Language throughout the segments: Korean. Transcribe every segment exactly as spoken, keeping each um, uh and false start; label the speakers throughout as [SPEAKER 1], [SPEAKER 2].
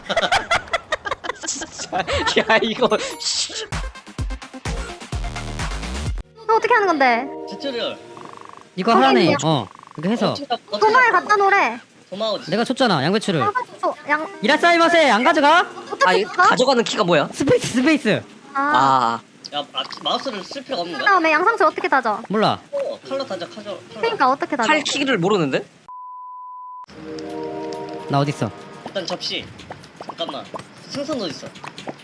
[SPEAKER 1] 진짜. 야 이거.
[SPEAKER 2] 너 어떻게 하는 건데?
[SPEAKER 3] 튜토리얼.
[SPEAKER 4] 이거 하라네.
[SPEAKER 2] 거기요?
[SPEAKER 4] 어 이거 해서
[SPEAKER 3] 어떻게 가- 어떻게
[SPEAKER 2] 도마를
[SPEAKER 3] 가-
[SPEAKER 2] 갖다 놓으래.
[SPEAKER 3] 도마 어디?
[SPEAKER 4] 내가 줬잖아 양배추를.
[SPEAKER 2] 저, 양
[SPEAKER 4] 이라사이마세 안 가져가?
[SPEAKER 1] 아
[SPEAKER 2] 어떻게
[SPEAKER 1] 이거
[SPEAKER 2] 가?
[SPEAKER 1] 가져가는 키가 뭐야?
[SPEAKER 4] 스페이스 스페이스.
[SPEAKER 2] 아.
[SPEAKER 1] 아.
[SPEAKER 3] 야 아, 마우스를 쓸 필요가 없는 거야?
[SPEAKER 2] 그다음에 양상추 어떻게 다져?
[SPEAKER 4] 몰라.
[SPEAKER 3] 어, 칼로 다져 칼로. 칼로.
[SPEAKER 2] 그러니까 어떻게 다져?
[SPEAKER 1] 칼 키를 모르는데?
[SPEAKER 4] 나 어딨어?
[SPEAKER 3] 일단 접시. 잠깐만. 생선 어디 있어?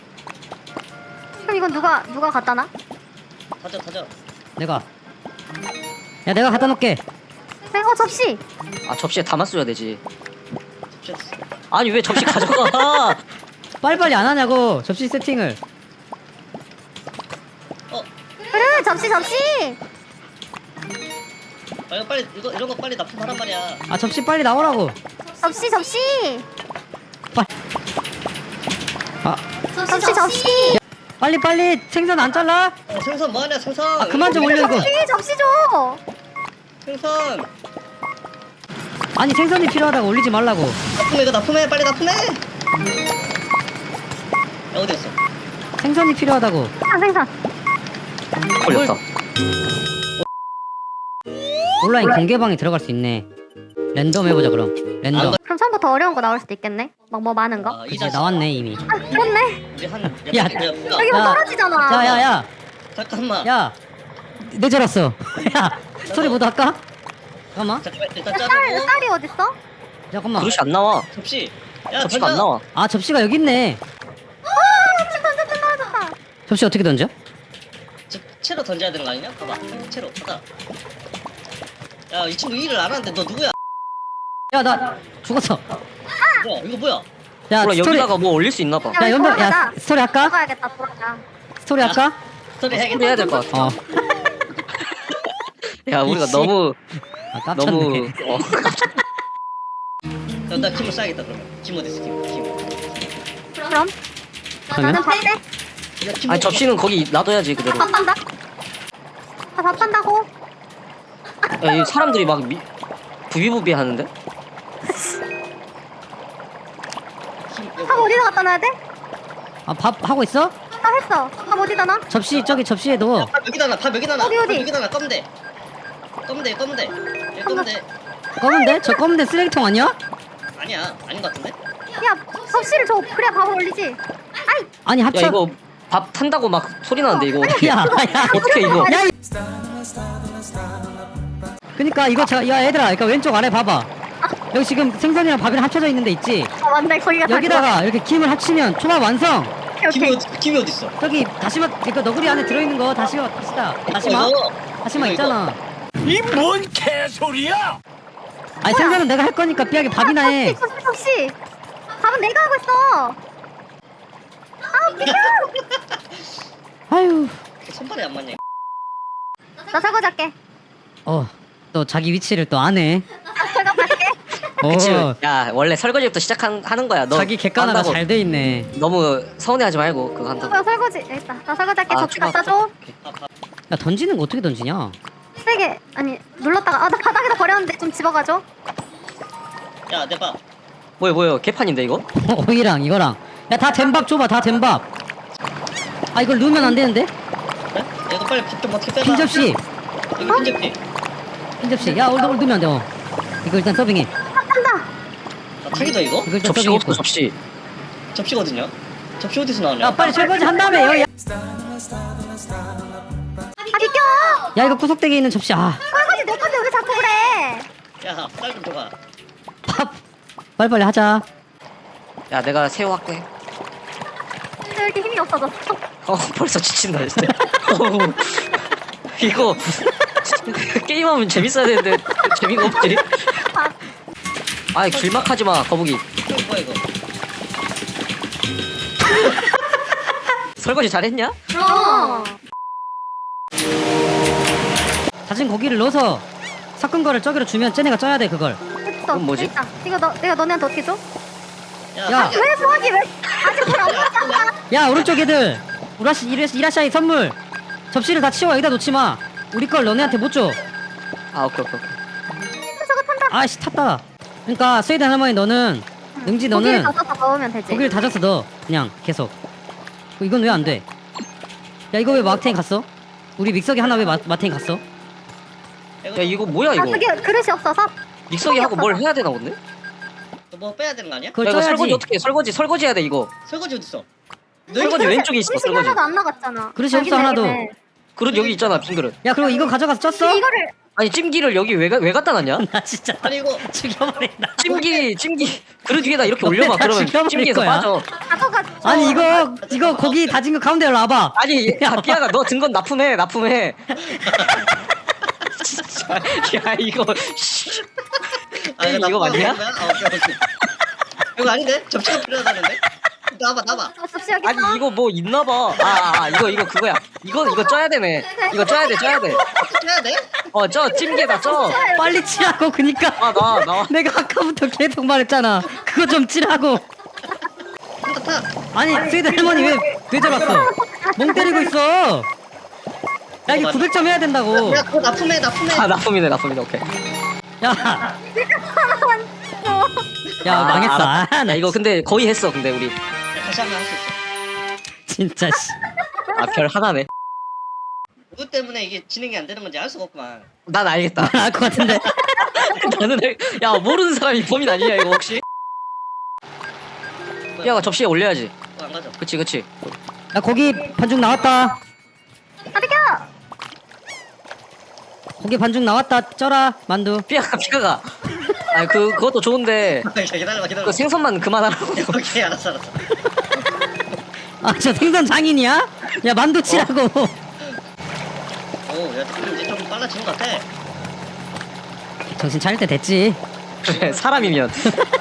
[SPEAKER 2] 그럼 이건 누가 누가 갖다 놔?
[SPEAKER 3] 다져 다져.
[SPEAKER 4] 내가. 야 내가 갖다 놓을게.
[SPEAKER 2] 그래, 어 접시.
[SPEAKER 1] 아 접시에 담았어야 되지.
[SPEAKER 3] 접시 어디 있어?
[SPEAKER 1] 아니 왜 접시 가져가?
[SPEAKER 4] 빨리빨리 안 하냐고 접시 세팅을.
[SPEAKER 3] 어.
[SPEAKER 2] 그래 접시 접시.
[SPEAKER 3] 아 이거 빨리 이거 이런 거 빨리 납품하란 말이야.
[SPEAKER 4] 아 접시 빨리 나오라고.
[SPEAKER 2] 접시 접시.
[SPEAKER 4] 빨리. 아
[SPEAKER 2] 접시 접시.
[SPEAKER 4] 빨리 빨리 생선 안 잘라?
[SPEAKER 3] 어, 생선 뭐하냐 생선.
[SPEAKER 4] 아 그만 좀 올려 이거.
[SPEAKER 2] 접시 접시 줘.
[SPEAKER 3] 생선.
[SPEAKER 4] 아니 생선이 필요하다고 올리지 말라고.
[SPEAKER 3] 납품해 이거 납품해 빨리 납품해. 야 어디 갔어?
[SPEAKER 4] 생선이 필요하다고.
[SPEAKER 2] 생선 생선.
[SPEAKER 1] 걸렸다.
[SPEAKER 4] 온라인 공개방에 들어갈 수 있네. 랜덤 해보자 그럼. 랜덤.
[SPEAKER 2] 그럼 처음부터 어려운 거 나올 수도 있겠네. 막 뭐 많은 거.
[SPEAKER 3] 아, 이
[SPEAKER 4] 이제
[SPEAKER 3] 자식.
[SPEAKER 4] 나왔네 이미.
[SPEAKER 2] 아 그렇네.
[SPEAKER 3] 우리 한.
[SPEAKER 4] 야.
[SPEAKER 3] 야, 야,
[SPEAKER 2] 여기 뭐
[SPEAKER 4] 야.
[SPEAKER 2] 떨어지잖아.
[SPEAKER 4] 야야야.
[SPEAKER 3] 잠깐만.
[SPEAKER 4] 야. 늦어졌어. 야 스토리 모드 할까? 잠깐만.
[SPEAKER 3] 잠깐만 일단
[SPEAKER 2] 쌀
[SPEAKER 3] 자르고.
[SPEAKER 2] 쌀이 어딨어?
[SPEAKER 4] 잠깐만.
[SPEAKER 1] 그릇이 안 나와.
[SPEAKER 3] 접시. 야
[SPEAKER 1] 접시가 안
[SPEAKER 3] 던져.
[SPEAKER 1] 나와.
[SPEAKER 4] 아 접시가 여기 있네.
[SPEAKER 2] 접시 던졌다 떨어졌다.
[SPEAKER 4] 접시 어떻게 던져?
[SPEAKER 3] 저, 채로 던져야 되는 거 아니냐? 봐봐. 채로. 가자. 야 이 친구 일을 안 하는데 너 누구야?
[SPEAKER 4] 야 나 죽었어.
[SPEAKER 3] 뭐야 이거 뭐야?
[SPEAKER 4] 야
[SPEAKER 1] 몰라
[SPEAKER 4] 스토리.
[SPEAKER 1] 여기다가 뭐 올릴 수 있나 봐.
[SPEAKER 2] 야,
[SPEAKER 4] 야 연병 야
[SPEAKER 2] 돌아가자.
[SPEAKER 4] 스토리 할까?
[SPEAKER 2] 돌아가야겠다 돌아가.
[SPEAKER 4] 스토리 할까?
[SPEAKER 3] 스토리
[SPEAKER 1] 소리
[SPEAKER 3] 해야겠다.
[SPEAKER 1] 해야 될 것 같아.
[SPEAKER 4] 어.
[SPEAKER 1] 야 우리가
[SPEAKER 4] 이씨.
[SPEAKER 1] 너무
[SPEAKER 4] 아 깜짝네.
[SPEAKER 1] 너무 어.
[SPEAKER 3] 야, 나 김을 싸야겠다 그러면. 김 어디 있어 김? 김.
[SPEAKER 2] 그럼
[SPEAKER 4] 그러면?
[SPEAKER 2] 나는 밥대.
[SPEAKER 3] 야, 김
[SPEAKER 1] 아니
[SPEAKER 3] 먹-
[SPEAKER 1] 접시는 거기 놔둬야지 그대로.
[SPEAKER 2] 밥 판다. 아, 밥 판다고?
[SPEAKER 1] 야, 이 사람들이 막 미, 부비부비 하는데?
[SPEAKER 3] 김
[SPEAKER 2] 밥 어디다 갖다 놔야 돼?
[SPEAKER 4] 아 밥 하고 있어?
[SPEAKER 2] 나 했어. 밥 어디다 놔?
[SPEAKER 4] 접시 저기 접시에 넣어.
[SPEAKER 3] 밥 여기다 놔. 밥 여기다 놔.
[SPEAKER 2] 어디, 어디?
[SPEAKER 3] 밥 여기다 놔. 검대 검대 검대. 얘 검대.
[SPEAKER 4] 검은데? 저 검은데 쓰레기통 아니야?
[SPEAKER 3] 아니야 아닌 것 같은데?
[SPEAKER 2] 야 접시를 줘. 그래야 밥을 올리지. 아이
[SPEAKER 4] 아니
[SPEAKER 1] 야
[SPEAKER 4] 합쳐.
[SPEAKER 1] 이거 밥 탄다고 막 소리 나는데 이거 어떻게
[SPEAKER 4] 야, 야.
[SPEAKER 1] 어떻게 이거
[SPEAKER 4] 야. 이- 그니까 이거 자, 야 얘들아, 그러니까 왼쪽 아래 봐봐. 여기 지금 생선이랑 밥이랑 합쳐져 있는 데 있지?
[SPEAKER 2] 아 맞네 거기가 다
[SPEAKER 4] 여기다가 이렇게 김을 합치면 초밥 완성.
[SPEAKER 2] 그거.
[SPEAKER 3] 김이
[SPEAKER 2] 오케이 오케이.
[SPEAKER 3] 어디 김이 어디 있어?
[SPEAKER 4] 저기 다시마, 그 너구리 안에 들어있는 거 다시마, 다시다. 다시마?
[SPEAKER 3] 이거,
[SPEAKER 4] 다시마
[SPEAKER 3] 이거,
[SPEAKER 4] 있잖아.
[SPEAKER 5] 이 뭔 개소리야!
[SPEAKER 4] 아니 생선은 내가 할 거니까 삐하게 밥이나 해.
[SPEAKER 2] 접시 접시 접시. 밥은 내가 하고 있어. 아 비켜.
[SPEAKER 4] 아유.
[SPEAKER 3] 이거. 손발이 안 맞냐?
[SPEAKER 2] 나 설거지 할게.
[SPEAKER 4] 어, 또 자기 위치를 또 안 해.
[SPEAKER 2] 나 설거지 할게.
[SPEAKER 1] 그치?
[SPEAKER 4] 어,
[SPEAKER 1] 야 원래 설거지부터 시작하는 거야. 너
[SPEAKER 4] 자기 객관화가
[SPEAKER 1] 한다고
[SPEAKER 4] 잘 돼 있네.
[SPEAKER 1] 너무 서운해하지 말고 그거 한다고.
[SPEAKER 2] 나 설거지. 여기 있다. 나 설거지 할게.
[SPEAKER 1] 아,
[SPEAKER 2] 접시
[SPEAKER 1] 추가,
[SPEAKER 2] 갖다 줘.
[SPEAKER 4] 야 던지는 거 어떻게 던지냐?
[SPEAKER 2] 세게 아니 눌렀다가 아 나 바닥에다 버렸는데 좀 집어가줘.
[SPEAKER 3] 야 내봐.
[SPEAKER 1] 뭐야 뭐야 개판인데 이거?
[SPEAKER 4] 어, 오이랑 이거랑. 야 다 된 밥 줘봐, 다 된 밥. 아 이걸 넣으면 안 되는데?
[SPEAKER 3] 그래? 야, 이거 빨리 밥 좀 어떻게 빼봐.
[SPEAKER 4] 흰 접시,
[SPEAKER 3] 이거 흰 접시.
[SPEAKER 4] 흰 접시. 야 오늘 넣으면 안 돼. 어. 이거 일단 서빙해.
[SPEAKER 2] 한다.
[SPEAKER 3] 아 탁이다 이거?
[SPEAKER 4] 이거 일단
[SPEAKER 1] 접시가
[SPEAKER 4] 서빙했고.
[SPEAKER 1] 없어 접시.
[SPEAKER 3] 접시가 어딨냐? 접시 어디서 나오냐?
[SPEAKER 4] 야 빨리 설거지 한 다음에 여. 야,
[SPEAKER 2] 아 비켜.
[SPEAKER 4] 야 이거 구석대기에 있는 접시. 아,
[SPEAKER 2] 설거지 내 건데 왜 자꾸 그래?
[SPEAKER 3] 야, 쌀 좀 줘봐.
[SPEAKER 4] 밥. 빨리빨리 하자.
[SPEAKER 1] 야 내가 새우 할게.
[SPEAKER 2] 왜 이렇게 힘이 없어졌어?
[SPEAKER 1] 어 벌써 지친다 진짜. 어우, 이거 게임하면 재밌어야 되는데 재미가 없지. 아이 길막하지 마 거북이.
[SPEAKER 3] 이거 뭐야 이거?
[SPEAKER 1] 설거지 잘했냐?
[SPEAKER 2] 어.
[SPEAKER 4] 다진 고기를 넣어서 섞은 거를 저기로 주면 쟤네가 쪄야 돼 그걸.
[SPEAKER 2] 됐어.
[SPEAKER 1] 그건 뭐지?
[SPEAKER 2] 됐다. 이거 너 내가 너네한테 어떻게 줘?
[SPEAKER 3] 야,
[SPEAKER 4] 야.
[SPEAKER 2] 왜 소화기 왜? 아직 물안 먹었잖아.
[SPEAKER 4] 야 오른쪽 애들. 우라시 이라시, 이라샤이 선물. 접시를 다 치워 여기다 놓지 마. 우리 걸 너네한테 못 줘.
[SPEAKER 1] 아 오케이 오케이 오케이.
[SPEAKER 2] 저거 탄다.
[SPEAKER 4] 아씨 탔다. 그러니까 스웨덴 할머니 너는 능지
[SPEAKER 2] 고기를
[SPEAKER 4] 너는
[SPEAKER 2] 다져서 넣으면 되지.
[SPEAKER 4] 고기를 다져서 넣어. 그냥 계속. 어, 이건 왜 안 돼? 야 이거 왜 마탱이 갔어? 우리 믹서기 하나 왜 마, 마탱이 갔어?
[SPEAKER 1] 야 이거 뭐야
[SPEAKER 2] 아
[SPEAKER 1] 이거?
[SPEAKER 2] 그게 그릇이 없어서.
[SPEAKER 1] 믹서기 하고 뭘 해야 되나 본데?
[SPEAKER 3] 뭐 빼야 되는 거 아니야?
[SPEAKER 4] 그걸
[SPEAKER 1] 야 이거
[SPEAKER 4] 쪄야지.
[SPEAKER 1] 설거지 어떻게 해? 설거지 설거지 해야 돼 이거.
[SPEAKER 3] 설거지 어딨어?
[SPEAKER 1] 설거지 왼쪽에 있어
[SPEAKER 2] 음식이
[SPEAKER 1] 설거지.
[SPEAKER 2] 하나도 안 나갔잖아.
[SPEAKER 4] 그릇이
[SPEAKER 2] 아,
[SPEAKER 4] 없어,
[SPEAKER 2] 근데
[SPEAKER 4] 하나도.
[SPEAKER 2] 이게-
[SPEAKER 1] 그릇 여기 있잖아 빈 그릇.
[SPEAKER 4] 야 그리고 이거 가져가서 쪘어?
[SPEAKER 2] 근데 이거를
[SPEAKER 1] 아니 찜기를 여기 왜, 가, 왜 갖다 놨냐?
[SPEAKER 4] 나 진짜
[SPEAKER 3] 아니 이거
[SPEAKER 4] 죽여버린다.
[SPEAKER 1] 찜기 찜기 그릇 위에다 이렇게
[SPEAKER 4] 너네
[SPEAKER 1] 올려봐.
[SPEAKER 4] 다
[SPEAKER 1] 그러면
[SPEAKER 4] 죽여버릴
[SPEAKER 1] 찜기에서
[SPEAKER 4] 거야.
[SPEAKER 1] 빠져.
[SPEAKER 2] 가져가.
[SPEAKER 4] 아니 이거 이거 고기 다진 거 가운데로 놔봐.
[SPEAKER 1] 아니 야 삐아가 너 든 건 납품해 납품해. 진짜 야 이거 씨.
[SPEAKER 3] 아,
[SPEAKER 1] 이거
[SPEAKER 3] 나쁘다고
[SPEAKER 1] 맞냐?
[SPEAKER 3] 하는 거야? 아, 오케이, 오케이. 이거 아닌데? 접시가 필요하다는데? 나봐 나봐.
[SPEAKER 2] 어, 접시 여기
[SPEAKER 1] 아니
[SPEAKER 2] 있어.
[SPEAKER 1] 이거 뭐 있나봐. 아, 아 이거 이거 그거야. 이거 이거 쪄야 되네. 이거 쪄야 돼 쪄야 돼.
[SPEAKER 3] 해야 돼?
[SPEAKER 1] 어쪄 찜기에다 쪄.
[SPEAKER 4] 빨리 치라고 그니까.
[SPEAKER 1] 아 나와 나와.
[SPEAKER 4] 내가 아까부터 계속 말했잖아. 그거 좀 치라고.
[SPEAKER 3] 한타 타.
[SPEAKER 4] 아니 스웨드 할머니 왜 왜 저랬어? 멍 때리고 있어. 야 이게 구백 점 해야 된다고.
[SPEAKER 3] 야 그거 납품해 납품해.
[SPEAKER 1] 아 납품이네 납품이네 오케이.
[SPEAKER 4] 야,
[SPEAKER 2] 하나만 줘.
[SPEAKER 4] 야
[SPEAKER 1] 아,
[SPEAKER 4] 망했어.
[SPEAKER 1] 알았다.
[SPEAKER 4] 아, 나
[SPEAKER 1] 야 이거 근데 거의 했어 근데 우리.
[SPEAKER 3] 야, 다시 한번 할 수 있어.
[SPEAKER 4] 진짜 씨.
[SPEAKER 1] 아 별 하나네.
[SPEAKER 3] 누구 때문에 이게 진행이 안 되는 건지 알 수가 없구만.
[SPEAKER 1] 난 알겠다.
[SPEAKER 4] 알 것 같은데.
[SPEAKER 1] 나는 알- 야 모르는 사람이 범인 아니냐 이거 혹시? 삐아가 접시에 올려야지.
[SPEAKER 3] 어, 안 가져.
[SPEAKER 1] 그치 그치.
[SPEAKER 4] 야 고기 반죽 나왔다.
[SPEAKER 2] 아 비켜.
[SPEAKER 4] 고기 반죽 나왔다. 쪄라 만두.
[SPEAKER 1] 삐아가 삐아가. 아니 그 그것도 좋은데
[SPEAKER 3] 기다려봐 기다려봐.
[SPEAKER 1] 그 생선만 그만하라고.
[SPEAKER 3] 오케이 알았어 알았어.
[SPEAKER 4] 아 저 생선 장인이야? 야 만두 치라고.
[SPEAKER 3] 오야 이제 좀 빨라진 것 같아.
[SPEAKER 4] 정신 차릴 때 됐지.
[SPEAKER 1] 그래 사람이면.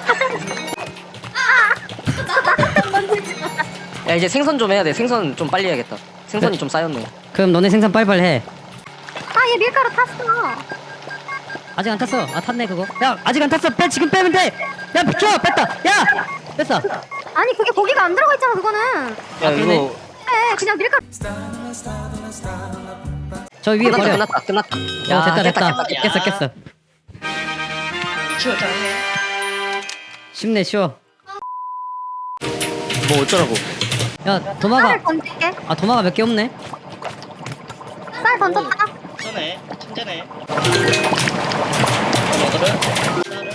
[SPEAKER 1] 야 이제 생선 좀 해야 돼. 생선 좀 빨리 해야겠다. 생선이 좀 쌓였네.
[SPEAKER 4] 그럼 너네 생선 빨리빨리 해.
[SPEAKER 2] 아얘 밀가루 탔어.
[SPEAKER 4] 아직 안 탔어. 아 탔네 그거. 야 아직 안 탔어. 빼 지금 빼면 돼. 야 비켜 뺐다. 야 뺐어.
[SPEAKER 2] 아니 그게 고기가 안 들어가 있잖아 그거는.
[SPEAKER 1] 야
[SPEAKER 4] 그러네.
[SPEAKER 1] 이거
[SPEAKER 2] 네 그냥 밀가루.
[SPEAKER 4] 저 위에
[SPEAKER 1] 끝났다
[SPEAKER 4] 버려.
[SPEAKER 1] 끝났다 끝났다.
[SPEAKER 4] 어 됐다 됐다.
[SPEAKER 3] 깼다.
[SPEAKER 4] 깼어 깼어.
[SPEAKER 3] 미치고 짱해.
[SPEAKER 4] 쉽네 쉬워.
[SPEAKER 1] 뭐 어쩌라고.
[SPEAKER 4] 야
[SPEAKER 2] 쌀을
[SPEAKER 4] 도마가
[SPEAKER 2] 던질게.
[SPEAKER 4] 아 도마가 몇 개 없네.
[SPEAKER 2] 쌀 던졌다.
[SPEAKER 3] 쏘네. 천재네. 먹으래? 쌀을?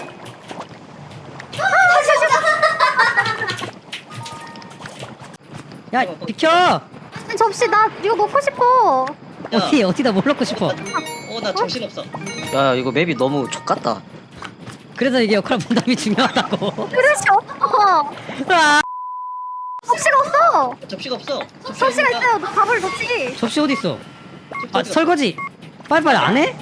[SPEAKER 4] 야 비켜.
[SPEAKER 2] 접시 나 이거 먹고 싶어.
[SPEAKER 3] 야.
[SPEAKER 4] 어디 어디다 뭘 넣고 싶어.
[SPEAKER 3] 어, 나 정신 없어.
[SPEAKER 1] 야 이거 맵이 너무 족같다.
[SPEAKER 4] 그래서 이게 역할 분담이 중요하다고.
[SPEAKER 2] 그릇이 없어.
[SPEAKER 4] 아,
[SPEAKER 2] 접시가 없어.
[SPEAKER 3] 접시가 없어.
[SPEAKER 2] 접시가
[SPEAKER 3] 있으니까.
[SPEAKER 2] 있어요. 너 밥을 넣지.
[SPEAKER 4] 접시 어디 있어?
[SPEAKER 3] 접시
[SPEAKER 4] 아
[SPEAKER 3] 어디 갔어?
[SPEAKER 4] 설거지. 빨리빨리 안 해?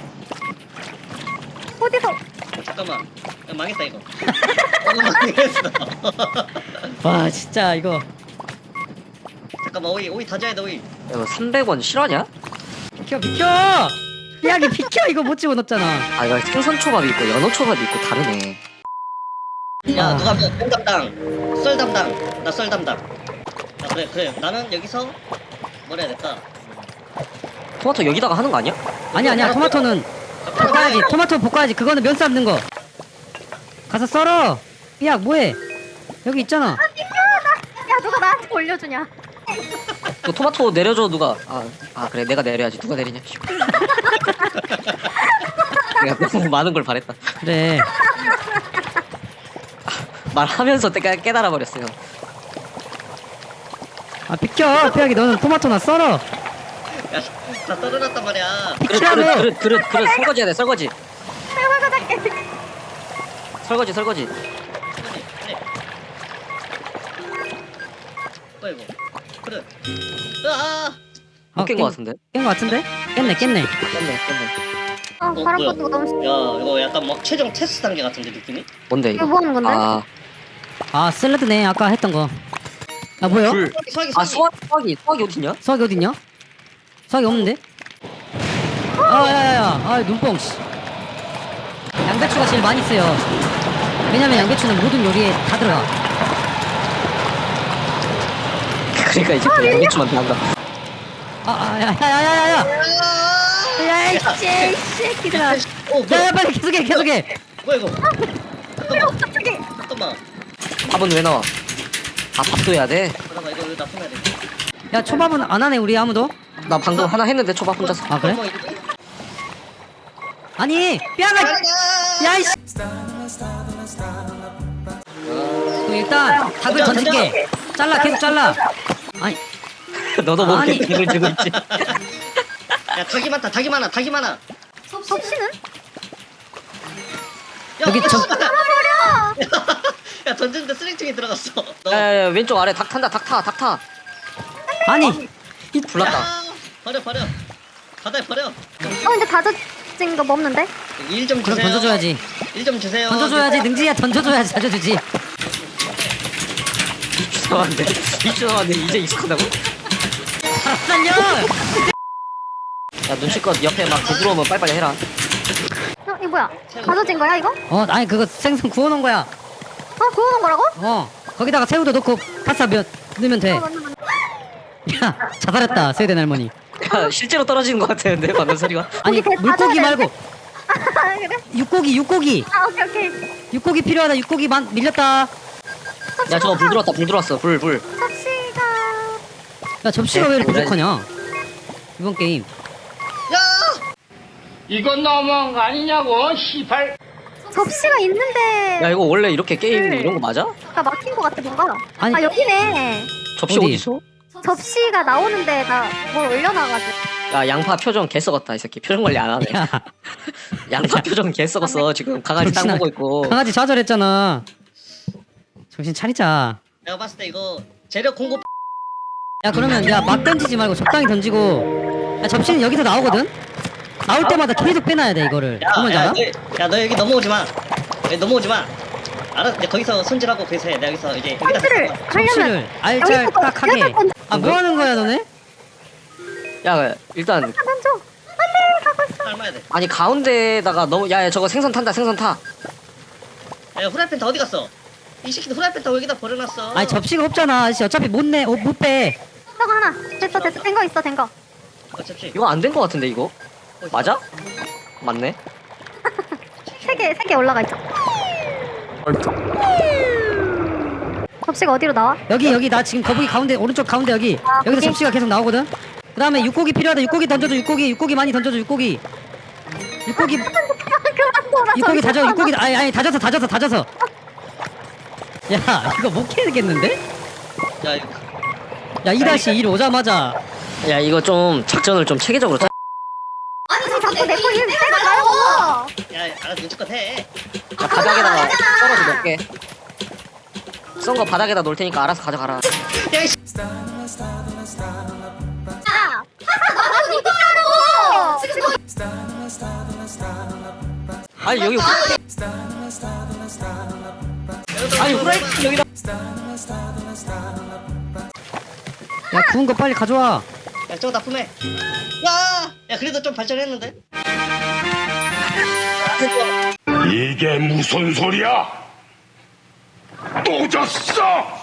[SPEAKER 2] 어디서?
[SPEAKER 3] 잠깐만. 야, 망했다 이거. 어, 망했어.
[SPEAKER 4] 와 진짜 이거.
[SPEAKER 3] 잠깐만 오이 오이 다져야 돼 오이.
[SPEAKER 1] 야, 이거 삼백 원 실화냐?
[SPEAKER 4] 비켜 비켜. 삐약이 비켜 이거 못 집어넣었잖아.
[SPEAKER 1] 아 이거 생선 초밥이 있고 연어 초밥이 있고 다르네.
[SPEAKER 3] 야
[SPEAKER 4] 아.
[SPEAKER 3] 누가 뭐麺 담당, 썰 담당, 나 썰 담당. 아 그래 그래 나는 여기서 뭘 해야 될까?
[SPEAKER 1] 토마토 여기다가 하는 거 아니야?
[SPEAKER 4] 아니 아니야 토마토는 볶아야지. 토마토 볶아야지. 그거는 면 삶는 거. 가서 썰어. 삐약 뭐해? 여기 있잖아.
[SPEAKER 2] 야 누가 나한테 올려주냐?
[SPEAKER 1] 그 토마토 내려줘 누가. 아, 아 그래 내가 내려야지. 누가 내리냐. 내가 너무 많은 걸 바랬다.
[SPEAKER 4] 그래.
[SPEAKER 1] 말하면서 깨, 깨달아 버렸어요.
[SPEAKER 4] 아 비켜. 삐약이 너는 토마토나 썰어.
[SPEAKER 3] 야다 썰어놨단 말이야.
[SPEAKER 1] 그릇 그릇 그릇 그릇 그릇 설거지 해야 돼 설거지.
[SPEAKER 2] 내가 가져갈게.
[SPEAKER 1] 설거지 설거지.
[SPEAKER 3] 그래. 뭐야 이거? 그래. 으아.
[SPEAKER 1] 못 깬 거 같은데.
[SPEAKER 4] 깬거 같은데? 깼네 깼네.
[SPEAKER 1] 깼네 깼네.
[SPEAKER 2] 어
[SPEAKER 3] 어,
[SPEAKER 2] 바람
[SPEAKER 3] 뭐야?
[SPEAKER 2] 뻗는 거 너무 싫어.
[SPEAKER 3] 야 이거 약간 막 최종 테스트 단계 같은데 느낌이?
[SPEAKER 1] 뭔데
[SPEAKER 2] 이거
[SPEAKER 1] 이거?
[SPEAKER 2] 뭐 하는 건데?
[SPEAKER 1] 아,
[SPEAKER 4] 아 샐러드네 아까 했던 거. 아 뭐야?
[SPEAKER 1] 불.
[SPEAKER 3] 수학이
[SPEAKER 1] 아
[SPEAKER 3] 수학이.
[SPEAKER 1] 수학 수학이 수학이 어딨냐?
[SPEAKER 4] 수학이 어딨냐? 수학이 없는데? 아 야야야 아 눈뽕 씨. 양배추가 제일 많이 쓰여. 왜냐면 양배추는 모든 요리에 다 들어가.
[SPEAKER 1] 그러니까 이제 또 양배추만 다 한다.
[SPEAKER 4] 아야야야야야야 야이 씨 새끼들아.
[SPEAKER 3] 어 뭐야?
[SPEAKER 4] 야야 빨리 계속해 계속해.
[SPEAKER 3] 뭐야 이거?
[SPEAKER 2] 왜
[SPEAKER 3] 잠깐만
[SPEAKER 2] 갑자기?
[SPEAKER 3] 잠깐만.
[SPEAKER 1] 밥은 왜 나와? 아 밥도 해야 돼?
[SPEAKER 3] 잠깐만 이거 이거 납품해야 돼.
[SPEAKER 4] 야 초밥은 안 하네 우리 아무도.
[SPEAKER 1] 나 방금 하나 했는데 초밥 혼자서.
[SPEAKER 4] 아 그래?
[SPEAKER 3] 어, 이거-
[SPEAKER 4] 아니 삐아가. 야이씨. 그럼 일단 닭을
[SPEAKER 3] 던져,
[SPEAKER 4] 던질게. 잘라 계속 잘라. 아니
[SPEAKER 1] 너도 모르게
[SPEAKER 4] 아니.
[SPEAKER 1] 닭을 들고 있지.
[SPEAKER 3] 야 닭이 많다 닭이 많아 닭이 많아.
[SPEAKER 2] 접시는?
[SPEAKER 3] 야,
[SPEAKER 4] 여기 저-
[SPEAKER 3] 야 던졌는데 쓰레기통에 들어갔어. 너.
[SPEAKER 1] 야야야 왼쪽 아래 닭 탄다 닭 타 닭 타.
[SPEAKER 4] 아니
[SPEAKER 1] 불났다.
[SPEAKER 3] 야, 버려 버려. 바다에 버려.
[SPEAKER 2] 어 근데 다져진 거 뭐 없는데?
[SPEAKER 3] 일 좀
[SPEAKER 4] 그럼
[SPEAKER 3] 주세요.
[SPEAKER 4] 던져줘야지.
[SPEAKER 3] 일 좀 주세요.
[SPEAKER 4] 던져줘야지 능지야 던져줘야지 자줘주지.
[SPEAKER 1] 이주 남았는데 이주 남았는데 이제 익숙하다고?
[SPEAKER 4] 살려.
[SPEAKER 1] 야 눈치껏 옆에 막 부끄러우면 빨리빨리 해라.
[SPEAKER 2] 어 이거 뭐야? 다져진 거야 이거?
[SPEAKER 4] 어 아니 그거 생선 구워놓은 거야.
[SPEAKER 2] 어 구워놓은 거라고?
[SPEAKER 4] 어 거기다가 새우도 넣고 파스타 면 넣으면 돼.
[SPEAKER 2] 어 맞네 맞네.
[SPEAKER 4] 야 자살했다 스웨덴 할머니.
[SPEAKER 1] 야 실제로 떨어지는 것 같았는데 방금 소리가.
[SPEAKER 4] 아니
[SPEAKER 2] 고기 다
[SPEAKER 4] 물고기
[SPEAKER 2] 져야
[SPEAKER 4] 말고
[SPEAKER 2] 아 그래?
[SPEAKER 4] 육고기 육고기
[SPEAKER 2] 아 오케이 오케이.
[SPEAKER 4] 육고기 필요하다. 육고기 만 밀렸다.
[SPEAKER 1] 야 저거 불 들어왔다 불 들어왔어 불 불.
[SPEAKER 2] 접시가
[SPEAKER 4] 야 접시가 왜 이렇게 부족하냐 이번 게임.
[SPEAKER 3] 야.
[SPEAKER 5] 이건 너무한 거 아니냐고, 시발.
[SPEAKER 2] 접시가 있는데
[SPEAKER 1] 야 이거 원래 이렇게 게임
[SPEAKER 2] 네.
[SPEAKER 1] 이런 거 맞아?
[SPEAKER 2] 가 막힌 거 같아 뭔가.
[SPEAKER 4] 아니.
[SPEAKER 2] 아 여기네.
[SPEAKER 1] 접시
[SPEAKER 4] 어디?
[SPEAKER 1] 어디 있어?
[SPEAKER 2] 접시가 나오는데 나 뭘 올려놔가지고.
[SPEAKER 1] 야 양파 표정 개 썩었다 이 새끼 표정 관리 안 하네.
[SPEAKER 4] 야
[SPEAKER 1] 양파 표정 개 썩었어 지금 강아지 땅
[SPEAKER 4] 정신아-
[SPEAKER 1] 먹고 있고.
[SPEAKER 4] 강아지 좌절했잖아. 정신 차리자.
[SPEAKER 3] 내가 봤을 때 이거 재료 공급.
[SPEAKER 4] 야 그러면 야 막 던지지 말고 적당히 던지고. 야 접시는 여기서 나오거든. 나올 때마다 계속 빼놔야 돼 이거를. 그러면
[SPEAKER 3] 야,
[SPEAKER 4] 알아?
[SPEAKER 3] 너, 야, 너 여기 넘어오지 마. 여기 넘어오지 마. 알아? 이제 거기서 손질하고 거기서 해. 내가 여기서 이제 여기다
[SPEAKER 2] 접시를
[SPEAKER 3] 던져.
[SPEAKER 2] 하려면
[SPEAKER 4] 접시를 알잘딱하게.
[SPEAKER 2] 여기서 던져.
[SPEAKER 4] 아 뭐 하는 거야 너네?
[SPEAKER 1] 야 일단
[SPEAKER 2] 던져. 안돼 가고 있어.
[SPEAKER 3] 삶아야 돼.
[SPEAKER 1] 아니 가운데다가 너무 야, 야 저거 생선 탄다 생선 타.
[SPEAKER 3] 야, 후라이팬 다 어디 갔어? 이 새끼도 후라이팬 다 여기다 버려놨어.
[SPEAKER 4] 아니 접시가 없잖아. 아저씨 어차피 못 내. 어, 못 빼.
[SPEAKER 2] 저거 하나 됐어 됐어 된 거 있어 된 거.
[SPEAKER 3] 어, 접시.
[SPEAKER 1] 이거 안 된 거 같은데 이거? 맞아? 맞네.
[SPEAKER 2] 세 개 세 개 올라가 있죠. 접시가 어디로 나와?
[SPEAKER 4] 여기 여기 나 지금 거북이 가운데 오른쪽 가운데 여기.
[SPEAKER 2] 아,
[SPEAKER 4] 여기서
[SPEAKER 2] 거기?
[SPEAKER 4] 접시가 계속 나오거든. 그다음에 육고기 필요하다. 육고기 던져줘. 육고기 육고기 많이 던져줘. 육고기. 육고기
[SPEAKER 2] 그만 돌아.
[SPEAKER 4] 육고기 다져. 육고기 아니 아니 다져서 다져서 다져서. 야 이거 못 캐겠는데?
[SPEAKER 3] 야, 이거.
[SPEAKER 4] 야 이 다시 일 오자마자
[SPEAKER 1] 야 이거 좀 작전을 좀 체계적으로 짜.
[SPEAKER 2] 아니 자꾸 내거 힘 빼지 말고.
[SPEAKER 3] 야, 알아서 눈치껏 해.
[SPEAKER 1] 야, 바닥에다가 썰어서 넣게. 썬 거 바닥에다 놓을 테니까 알아서 가져가라.
[SPEAKER 3] 야, 이씨.
[SPEAKER 2] 야. 나도 이거 하라고.
[SPEAKER 1] 아니 여기 후- 아니 후라이팬 여기다.
[SPEAKER 4] 야 구운 거 빨리 가져와.
[SPEAKER 3] 야, 저거 납품해. 야, 야, 그래도 좀 발전했는데?
[SPEAKER 5] 이게 무슨 소리야? 또 졌어!